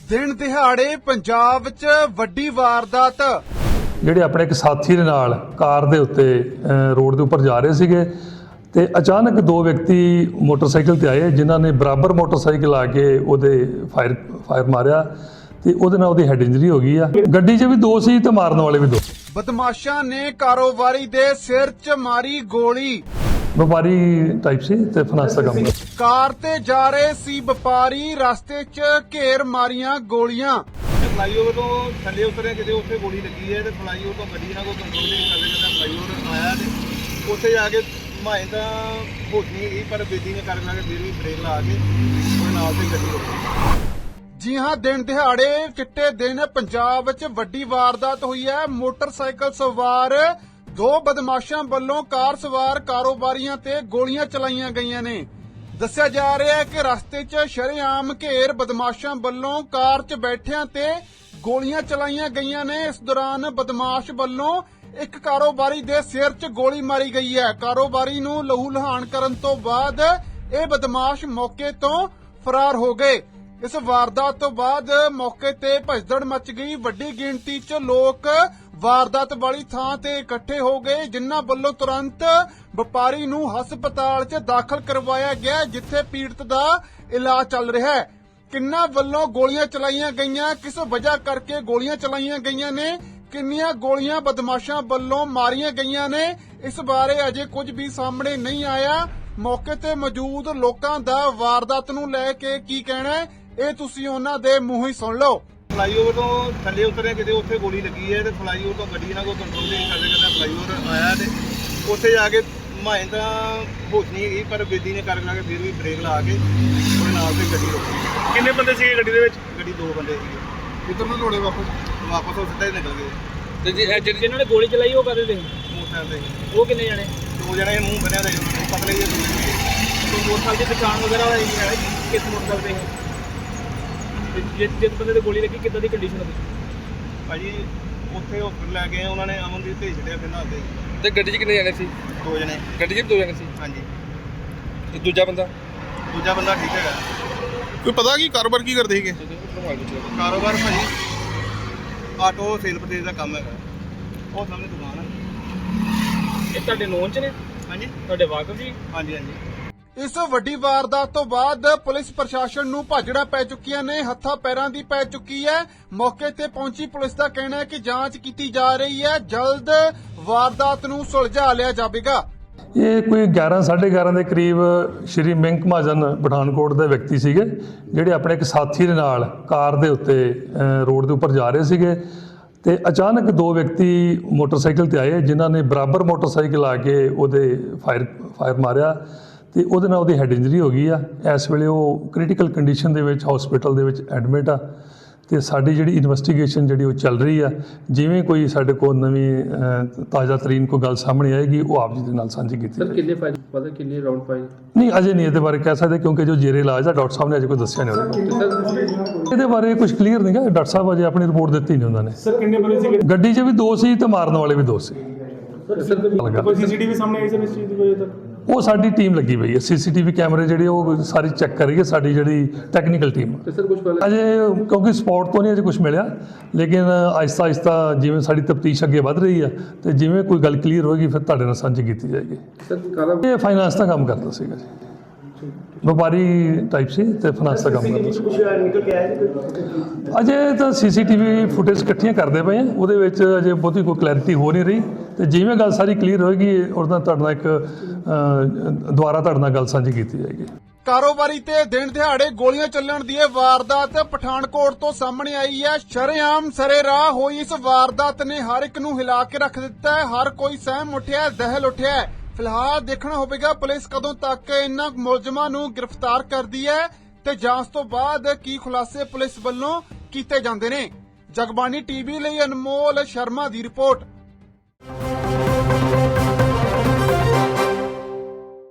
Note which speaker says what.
Speaker 1: ਦਿਨ ਦਿਹਾੜੇ ਪੰਜਾਬ 'ਚ ਵੱਡੀ ਵਾਰਦਾਤ।
Speaker 2: ਜਿਹੜੇ ਆਪਣੇ ਇੱਕ ਸਾਥੀ ਦੇ ਨਾਲ ਕਾਰ ਦੇ ਉੱਤੇ ਰੋਡ ਦੇ ਉੱਪਰ ਜਾ ਰਹੇ ਸੀਗੇ ਤੇ ਅਚਾਨਕ ਦੋ ਵਿਅਕਤੀ ਮੋਟਰਸਾਈਕਲ ਤੇ ਆਏ ਜਿਨ੍ਹਾਂ ਨੇ ਬਰਾਬਰ ਮੋਟਰਸਾਈਕਲ ਆ ਕੇ ਉਹਦੇ ਫਾਇਰ ਮਾਰਿਆ ਤੇ ਉਹਦੇ ਨਾਲ ਉਹਦੀ ਹੈਡ ਇੰਜਰੀ ਹੋ ਗਈ ਆ। ਗੱਡੀ 'ਚ ਵੀ ਦੋ ਸੀ ਤੇ ਮਾਰਨ ਵਾਲੇ ਵੀ ਦੋ।
Speaker 1: ਬਦਮਾਸ਼ਾਂ ਨੇ ਕਾਰੋਬਾਰੀ ਦੇ ਸਿਰ 'ਚ ਮਾਰੀ ਗੋਲੀ।
Speaker 2: ਵਪਾਰੀ ਟਾਈਪ ਸੀ ਤੇ ਫਾਈਨਾਂਸ ਦਾ ਕੰਮ ਕਰਦਾ।
Speaker 1: ਕਾਰ ਤੇ ਜਾ ਰਹੇ ਸੀ ਵਪਾਰੀ, ਰਸਤੇ 'ਚ ਘੇਰ ਮਾਰੀਆਂ ਗੋਲੀਆਂ।
Speaker 3: ਫਲਾਈਓਵਰ ਤੋਂ ਥੱਲੇ ਉਤਰੇ ਕਿਤੇ ਉੱਥੇ ਗੋਲੀ ਲੱਗੀ ਹੈ ਤੇ ਫਲਾਈਓਵਰ ਤੋਂ ਗੱਡੀ ਨਾਲ ਕੋਈ ਕੰਟਰੋਲ ਨਹੀਂ ਕਰਦੇ ਜਦੋਂ ਫਲਾਈਓਵਰ ਆਇਆ ਤੇ ਉੱਥੇ ਜਾ ਕੇ ਮਾਏ ਤਾਂ ਹੋਸ਼ ਨਹੀਂ ਗਈ ਪਰ ਬੇਦੀ ਨੇ ਕਰ ਲਾ ਕੇ ਫਿਰ ਵੀ ਬ੍ਰੇਕ ਲਾ ਕੇ ਉਹਦੇ ਨਾਲ ਤੇ ਗੱਡੀ ਰੁਕੀ।
Speaker 1: ਜੀ ਹਾਂ, ਦਿਨ ਦਿਹਾੜੇ ਚਿੱਟੇ ਦਿਨ ਪੰਜਾਬ 'ਚ ਵੱਡੀ ਵਾਰਦਾਤ ਹੋਈ ਹੈ। ਮੋਟਰਸਾਈਕਲ ਸਵਾਰ ਦੋ ਬਦਮਾਸ਼ਾਂ ਵੱਲੋਂ ਕਾਰ ਸਵਾਰ ਕਾਰੋਬਾਰੀਆਂ ਤੇ ਗੋਲੀਆਂ ਚਲਾਈਆਂ ਗਈਆਂ ਨੇ। ਦੱਸਿਆ ਜਾ ਰਿਹਾ ਹੈ ਕਿ ਰਸਤੇ 'ਚ ਸ਼ਰੇਆਮ ਘੇਰ ਬਦਮਾਸ਼ਾਂ ਵੱਲੋਂ ਕਾਰ 'ਚ ਬੈਠਿਆਂ ਤੇ ਗੋਲੀਆਂ ਚਲਾਈਆਂ ਗਈਆਂ ਨੇ। ਇਸ ਦੌਰਾਨ ਬਦਮਾਸ਼ ਵੱਲੋਂ ਇੱਕ ਕਾਰੋਬਾਰੀ ਦੇ ਸਿਰ 'ਚ ਗੋਲੀ ਮਾਰੀ ਗਈ ਹੈ। ਕਾਰੋਬਾਰੀ ਨੂੰ ਲਹੂ ਲਹਾਨ ਕਰਨ ਤੋਂ ਬਾਅਦ ਇਹ ਬਦਮਾਸ਼ ਮੌਕੇ ਤੋਂ ਫਰਾਰ ਹੋ ਗਏ। ਇਸ ਵਾਰਦਾਤ ਤੋਂ ਬਾਅਦ ਮੌਕੇ ਤੇ ਭਜਦੜ ਮਚ ਗਈ। ਵੱਡੀ ਗਿਣਤੀ 'ਚ ਲੋਕ ਵਾਰਦਾਤ ਵਾਲੀ ਥਾਂ ਤੇ ਇਕੱਠੇ ਹੋ ਗਏ, ਜਿਨ੍ਹਾਂ ਵੱਲੋਂ ਤੁਰੰਤ ਵਪਾਰੀ ਨੂੰ ਹਸਪਤਾਲ 'ਚ ਦਾਖਲ ਕਰਵਾਇਆ ਗਿਆ, ਜਿੱਥੇ ਪੀੜਤ ਦਾ ਇਲਾਜ ਚੱਲ ਰਿਹਾ ਹੈ। ਕਿੰਨਾਂ ਵੱਲੋਂ ਗੋਲੀਆਂ ਚਲਾਈਆਂ ਗਈਆਂ, ਕਿਸ ਵਜ੍ਹਾ ਕਰਕੇ ਗੋਲੀਆਂ ਚਲਾਈਆਂ ਗਈਆਂ ਨੇ, ਕਿੰਨੀਆਂ ਗੋਲੀਆਂ ਬਦਮਾਸ਼ਾਂ ਵੱਲੋਂ ਮਾਰੀਆਂ ਗਈਆਂ ਨੇ, ਇਸ ਬਾਰੇ ਅਜੇ ਕੁਝ ਵੀ ਸਾਹਮਣੇ ਨਹੀਂ ਆਇਆ। ਮੌਕੇ ਤੇ ਮੌਜੂਦ ਲੋਕਾਂ ਦਾ ਵਾਰਦਾਤ ਨੂੰ ਲੈ ਕੇ ਕੀ ਕਹਿਣਾ ਹੈ, ਇਹ ਤੁਸੀਂ ਉਹਨਾਂ ਦੇ ਮੂੰਹੋਂ ਹੀ ਸੁਣ ਲਓ।
Speaker 3: ਫਲਾਈਓਵਰ ਤੋਂ ਥੱਲੇ ਉਤਰੇ ਕਿਤੇ ਉੱਥੇ ਗੋਲੀ ਲੱਗੀ ਹੈ ਤੇ ਫਲਾਈਓਵਰ ਤੋਂ ਗੱਡੀ ਨਾਲ ਕੋਈ ਕੰਟਰੋਲ ਨਹੀਂ ਕਰਦੇ ਜਦੋਂ ਫਲਾਈਓਵਰ ਆਇਆ ਤੇ ਉੱਥੇ ਜਾ ਕੇ ਮਾਏ ਤਾਂ ਹੋਸ਼ ਨਹੀਂ ਗਈ ਪਰ ਬੇਦੀ ਨੇ ਕਰ ਲਾ ਕੇ ਫਿਰ ਵੀ ਬ੍ਰੇਕ ਲਾ ਕੇ ਉਹਦੇ ਨਾਲ ਤੇ ਗੱਡੀ ਰੁਕੀ।
Speaker 4: ਕਿੰਨੇ ਬੰਦੇ ਸੀਗੇ ਗੱਡੀ ਦੇ ਵਿੱਚ?
Speaker 3: ਗੱਡੀ ਦੋ ਬੰਦੇ ਸੀਗੇ।
Speaker 1: ਕਿੱਧਰ ਨੂੰ ਦੌੜੇ ਵਾਪਸ
Speaker 3: ਉਹ ਸਿੱਧਾ ਹੀ ਨਿਕਲ ਗਏ।
Speaker 4: ਤੇ ਜਿਹਨਾਂ ਨੇ ਗੋਲੀ ਚਲਾਈ ਉਹ ਕਦੇ ਦੇ
Speaker 3: ਮੋਟਰਸਾਈਕਲ ਤੇ
Speaker 4: ਉਹ ਕਿੰਨੇ ਜਾਣੇ?
Speaker 3: ਦੋ ਜਣੇ ਮੂੰਹ ਬੰਨਿਆ ਦਾ ਪਤਲੇ ਜਿਹੇ
Speaker 4: ਕੋਈ ਮੋਟਰਸਾਈਕਲ ਦੀ ਪਛਾਣ ਵਗੈਰਾ ਹੋਈ ਹੈ ਕਿਸ ਮੋਟਰਸਾਈਕਲ ਤੇ? ਤੇ ਜਿਸ ਬੰਦੇ ਤੇ ਗੋਲੀ ਲੱਗੀ ਕਿੱਦਾਂ ਦੀ ਕੰਡੀਸ਼ਨ ਹੋਈ?
Speaker 3: ਭਾਜੀ ਉੱਥੇ ਹਸਪਤਾਲ ਲੈ ਗਏ ਉਹਨਾਂ ਨੇ ਅਮਨਦੀਪ ਭੇਜ ਛੱਡਿਆ ਫਿਰ ਨਾਲ ਦੇ
Speaker 4: ਤੇ ਗੱਡੀ 'ਚ ਕਿੰਨੇ ਜਾਣੇ ਸੀ?
Speaker 3: ਦੋ ਜਣੇ।
Speaker 4: ਗੱਡੀ 'ਚ ਵੀ ਦੋ ਜਾਣੇ ਸੀ?
Speaker 3: ਹਾਂਜੀ।
Speaker 4: ਤੇ ਦੂਜਾ ਬੰਦਾ
Speaker 3: ਠੀਕ ਹੈਗਾ।
Speaker 1: ਕੋਈ ਪਤਾ ਕੀ ਕਾਰੋਬਾਰ ਕੀ ਕਰਦੇ ਸੀਗੇ?
Speaker 3: ਕਾਰੋਬਾਰ ਭਾਜੀ ਆਟੋ ਸੇਲ ਪਰਚੇਜ਼ ਦਾ ਕੰਮ ਹੈਗਾ। ਉਹ ਸਾਹਮਣੇ ਦੁਕਾਨ ਹੈ।
Speaker 4: ਇਹ ਤੁਹਾਡੇ ਨੋਨ 'ਚ ਨੇ?
Speaker 3: ਹਾਂਜੀ
Speaker 4: ਤੁਹਾਡੇ ਵਾਕਫ ਜੀ?
Speaker 3: ਹਾਂਜੀ।
Speaker 1: ਇਸ ਵੱਡੀ ਵਾਰਦਾਤ ਤੋਂ ਬਾਅਦ ਪੁਲਿਸ ਪ੍ਰਸ਼ਾਸਨ ਨੂੰ ਭਾਜੜਾਂ ਪੈ ਚੁੱਕੀਆਂ ਨੇ, ਹੱਥਾਂ ਪੈਰਾਂ ਦੀ ਪੈ ਚੁੱਕੀ ਹੈ। ਮੌਕੇ ਤੇ ਪਹੁੰਚੀ ਪੁਲਿਸ ਦਾ ਕਹਿਣਾ ਹੈ ਕਿ ਜਾਂਚ ਕੀਤੀ ਜਾ ਰਹੀ ਹੈ, ਜਲਦ ਵਾਰਦਾਤ ਨੂੰ ਸੁਲਝਾ ਲਿਆ ਜਾਵੇਗਾ।
Speaker 2: ਇਹ ਕੋਈ 11:30 ਦੇ ਕਰੀਬ ਸ਼੍ਰੀ ਮਿੰਕ ਮਹਾਜਨ ਪਠਾਨਕੋਟ ਦੇ ਵਿਅਕਤੀ ਸੀਗੇ ਜਿਹੜੇ ਆਪਣੇ ਇੱਕ ਸਾਥੀ ਦੇ ਨਾਲ ਕਾਰ ਦੇ ਉੱਤੇ ਰੋਡ ਦੇ ਉੱਪਰ ਜਾ ਰਹੇ ਸੀਗੇ ਤੇ ਅਚਾਨਕ ਦੋ ਵਿਅਕਤੀ ਮੋਟਰਸਾਈਕਲ ਤੇ ਆਏ ਜਿਨ੍ਹਾਂ ਨੇ ਬਰਾਬਰ ਮੋਟਰਸਾਈਕਲ ਆ ਕੇ ਉਹਦੇ ਫਾਇਰ ਮਾਰਿਆ ਤੇ ਉਹਦੇ ਨਾਲ ਉਹਦੀ ਹੈਡ ਇੰਜਰੀ ਹੋ ਗਈ ਆ। ਇਸ ਵੇਲੇ ਉਹ ਕ੍ਰਿਟੀਕਲ ਕੰਡੀਸ਼ਨ ਦੇ ਵਿੱਚ ਹਸਪੀਟਲ ਦੇ ਵਿੱਚ ਐਡਮਿਟ ਆ ਤੇ ਸਾਡੀ ਜਿਹੜੀ ਇਨਵੈਸਟੀਗੇਸ਼ਨ ਜਿਹੜੀ ਉਹ ਚੱਲ ਰਹੀ ਆ। ਜਿਵੇਂ ਕੋਈ ਸਾਡੇ ਕੋਲ ਨਵੀਂ ਤਾਜ਼ਾ ਤਰੀਨ ਕੋਈ ਗੱਲ ਸਾਹਮਣੇ ਆਏਗੀ ਉਹ ਆਪ ਜੀ ਦੇ ਨਾਲ ਸਾਂਝੀ ਕੀਤੀ ਜਾਏਗੀ।
Speaker 4: ਕਿੰਨੇ ਫਾਇਲ ਪਤਾ ਕਿੰਨੇ ਰਾਉਂਡ ਫਾਇਲ?
Speaker 2: ਨਹੀਂ ਅਜੇ ਨਹੀਂ ਇਹਦੇ ਬਾਰੇ ਕਹਿ ਸਕਦੇ ਕਿਉਂਕਿ ਜੋ ਜੇਰੇ ਇਲਾਜ ਆ ਡਾਕਟਰ ਸਾਹਿਬ ਨੇ ਅਜੇ ਕੋਈ ਦੱਸਿਆ ਨਹੀਂ ਉਹਦੇ ਇਹਦੇ ਬਾਰੇ ਕੁਝ ਕਲੀਅਰ ਨਹੀਂ ਗਾ। ਡਾਕਟਰ ਸਾਹਿਬ ਅਜੇ ਆਪਣੀ ਰਿਪੋਰਟ ਦਿੱਤੀ ਨਹੀਂ ਉਹਨਾਂ ਨੇ।
Speaker 4: ਸਰ ਕਿੰਨੇ ਬੰਦੇ ਸੀ
Speaker 2: ਗੱਡੀ 'ਚ ਵੀ ਦੋ ਸੀ ਤੇ ਮਾਰਨ ਵਾਲੇ ਵੀ ਦੋ ਸੀ।
Speaker 4: ਕੋਈ ਸੀਸੀਟੀਵੀ ਸਾਹਮਣੇ ਆਈ ਸਰ ਇਸ ਚੀਜ਼ ਦੀ ਵਜ੍ਹਾ ਤੱਕ?
Speaker 2: ਉਹ ਸਾਡੀ ਟੀਮ ਲੱਗੀ ਪਈ ਹੈ, ਸੀਸੀਟੀਵੀ ਕੈਮਰੇ ਜਿਹੜੇ ਉਹ ਸਾਰੀ ਚੈੱਕ ਕਰ ਰਹੀ ਹੈ ਸਾਡੀ ਜਿਹੜੀ ਟੈਕਨੀਕਲ ਟੀਮ।
Speaker 4: ਤੇ ਸਰ ਕੁਝ ਪਹਿਲਾਂ
Speaker 2: ਅਜੇ ਕਿਉਂਕਿ ਸਪੌਟ ਤੋਂ ਨਹੀਂ ਅਜੇ ਕੁਝ ਮਿਲਿਆ, ਲੇਕਿਨ ਆਹਿਸਤਾ ਜਿਵੇਂ ਸਾਡੀ ਤਫਤੀਸ਼ ਅੱਗੇ ਵੱਧ ਰਹੀ ਹੈ ਤੇ ਜਿਵੇਂ ਕੋਈ ਗੱਲ ਕਲੀਅਰ ਹੋਏਗੀ ਫਿਰ ਤੁਹਾਡੇ ਨਾਲ ਸਾਂਝੀ ਕੀਤੀ ਜਾਏਗੀ।
Speaker 4: ਸਰ ਕਾਲਾ
Speaker 2: ਇਹ ਫਾਈਨਾਂਸ ਦਾ ਕੰਮ ਕਰਦਾ ਸੀਗਾ ਜੀ, ਵਪਾਰੀ ਟਾਈਪ ਸੀ ਤੇ ਫਾਈਨਾਂਸ ਦਾ ਕੰਮ ਕਰਦਾ ਸੀ।
Speaker 4: ਕੁਝ ਨਿਕਲ ਕੇ ਆਇਆ ਜੀ?
Speaker 2: ਅਜੇ ਤਾਂ ਸੀਸੀਟੀਵੀ ਫੁਟੇਜ ਇਕੱਠੀਆਂ ਕਰਦੇ ਪਏ ਆ, ਉਹਦੇ ਵਿੱਚ ਅਜੇ ਬਹੁਤੀ ਕੋਈ ਕਲੈਰਿਟੀ ਹੋ ਨਹੀਂ ਰਹੀ ਤੇ ਜਿਵੇਂ ਗੱਲ ਸਾਰੀ ਕਲੀਅਰ ਹੋਏਗੀ ਉਹਦਾ ਤੁਹਾਡੇ ਨਾਲ ਇੱਕ ਦੁਬਾਰਾ ਤੁਹਾਡੇ ਨਾਲ ਗੱਲ ਸਾਂਝੀ ਕੀਤੀ ਜਾਏਗੀ।
Speaker 1: ਕਾਰੋਬਾਰੀ ਤੇ ਦਿਨ ਦਿਹਾੜੇ ਗੋਲੀਆਂ ਚੱਲਣ ਦੀ ਇਹ ਵਾਰਦਾਤ ਪਠਾਨਕੋਟ ਤੋਂ ਸਾਹਮਣੇ ਆਈ ਹੈ। ਸ਼ਰੇਆਮ ਸਰੇਰਾਹ ਹੋਈ ਇਸ ਵਾਰਦਾਤ ਨੇ ਹਰ ਇੱਕ ਨੂੰ ਹਿਲਾ ਕੇ ਰੱਖ ਦਿੱਤਾ ਹੈ। ਹਰ ਕੋਈ ਸਹਿਮ ਉੱਠਿਆ, ਦਹਿਲ ਉੱਠਿਆ। ਫਿਲਹਾਲ ਦੇਖਣਾ ਹੋਵੇਗਾ ਪੁਲਿਸ ਕਦੋਂ ਤੱਕ ਇਹਨਾਂ ਮੁਲਜ਼ਮਾਂ ਨੂੰ ਗ੍ਰਿਫਤਾਰ ਕਰਦੀ ਹੈ ਤੇ ਜਾਂਚ ਤੋਂ ਬਾਅਦ ਕੀ ਖੁਲਾਸੇ ਪੁਲਿਸ ਵੱਲੋਂ ਕੀਤੇ ਜਾਂਦੇ ਨੇ। ਜਗਬਾਣੀ ਟੀਵੀ ਲਈ ਅਨਮੋਲ ਸ਼ਰਮਾ ਦੀ ਰਿਪੋਰਟ।